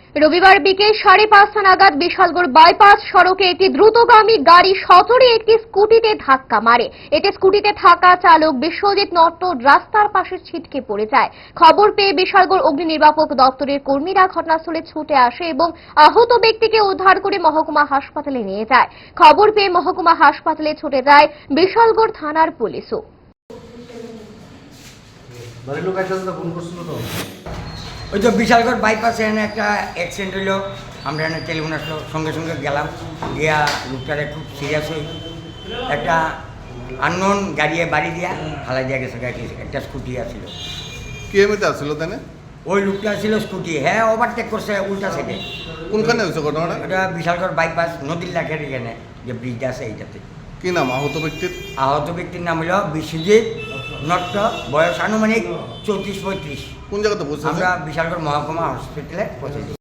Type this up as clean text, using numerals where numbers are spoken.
রবিবার বিকেল 5:30 নাগাদ বিশালগড় বাইপাস সড়কে একটি দ্রুতগামী গাড়ি সজোরে একটি স্কুটিতে ধাক্কা মারে। এতে স্কুটিতে থাকা চালক বিশ্বজিৎ নট্ট রাস্তার পাশে ছিটকে পড়ে যায়। খবর পেয়ে বিশালগড় অগ্নি নির্বাপক দপ্তরের কর্মীরা ঘটনাস্থলে ছুটে আসে এবং আহত ব্যক্তিকে উদ্ধার করে মহকুমা হাসপাতালে নিয়ে যায়। খবর পেয়ে মহকুমা হাসপাতালে ছুটে যায় বিশালগড় থানার পুলিশও। ওই তো বিশালগড় বাইপাসে এনে একটা অ্যাক্সিডেন্ট হইলো, আমরা এনে টেলিফোন আসলো, সঙ্গে সঙ্গে গেলাম, গিয়া লোকটারে খুব সিরিয়াস হই একটা আননোন গাড়িয়ে বাড়ি দিয়া ফালাই দিয়া গেছে। গাড়ি একটা স্কুটি আসছিল। কে এমনিতে আসছিল তাই? ওই লোকটা ছিল স্কুটি, হ্যাঁ ওভারটেক করছে উল্টা সাইডে। কোনখানে হয়েছে ঘটনাটা? ওটা বিশালগড় বাইপাস নদীর লাখের এখানে যে ব্রিজটা আছে এইটাতে। কি নাম আহত ব্যক্তির? আহত ব্যক্তির নাম হলো বিশ্বজিৎ নট্ট, বয়স আনুমানিক 34-35। কোন জায়গাতে বসে? আমরা বিশালগড় মহকুমা হসপিটালে পৌঁছেছি।